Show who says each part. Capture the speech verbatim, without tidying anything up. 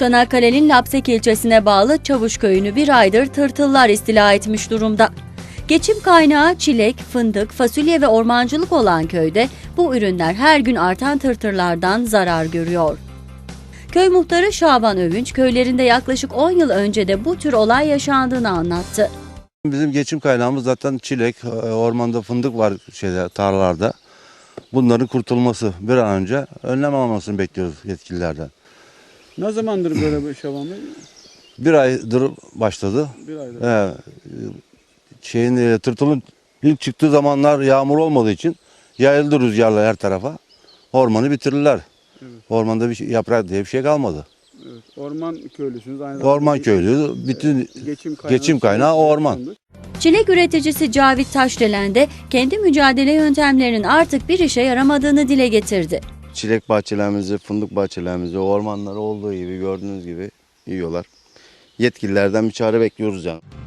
Speaker 1: Çanakkale'nin Lapsek ilçesine bağlı Çavuş köyünü bir aydır tırtıllar istila etmiş durumda. Geçim kaynağı çilek, fındık, fasulye ve ormancılık olan köyde bu ürünler her gün artan tırtıllardan zarar görüyor. Köy muhtarı Şaban Övünç, köylerinde yaklaşık on yıl önce de bu tür olay yaşandığını anlattı.
Speaker 2: Bizim geçim kaynağımız zaten çilek, ormanda fındık var şeyde, tarlalarda. Bunların kurtulması bir an önce önlem almasını bekliyoruz yetkililerden.
Speaker 3: Ne zamandır böyle bir Şaban Bey?
Speaker 2: Bir aydır başladı.
Speaker 3: Bir aydır.
Speaker 2: Ee, şeyin e, tırtılın ilk çıktığı zamanlar yağmur olmadığı için yayıldı rüzgarla her tarafa. Ormanı bitirirler.
Speaker 3: Evet.
Speaker 2: Ormanda bir şey, yaprak diye bir şey kalmadı.
Speaker 3: Evet. Orman köylüsünüz aynı zamanda.
Speaker 2: Orman köylü, bütün
Speaker 3: geçim kaynağı,
Speaker 2: geçim kaynağı orman.
Speaker 1: Çilek üreticisi Cavit Taşdelen de kendi mücadele yöntemlerinin artık bir işe yaramadığını dile getirdi.
Speaker 4: Çilek bahçelerimizi, fındık bahçelerimizi, ormanları olduğu gibi gördüğünüz gibi yiyorlar. Yetkililerden bir çare bekliyoruz yani.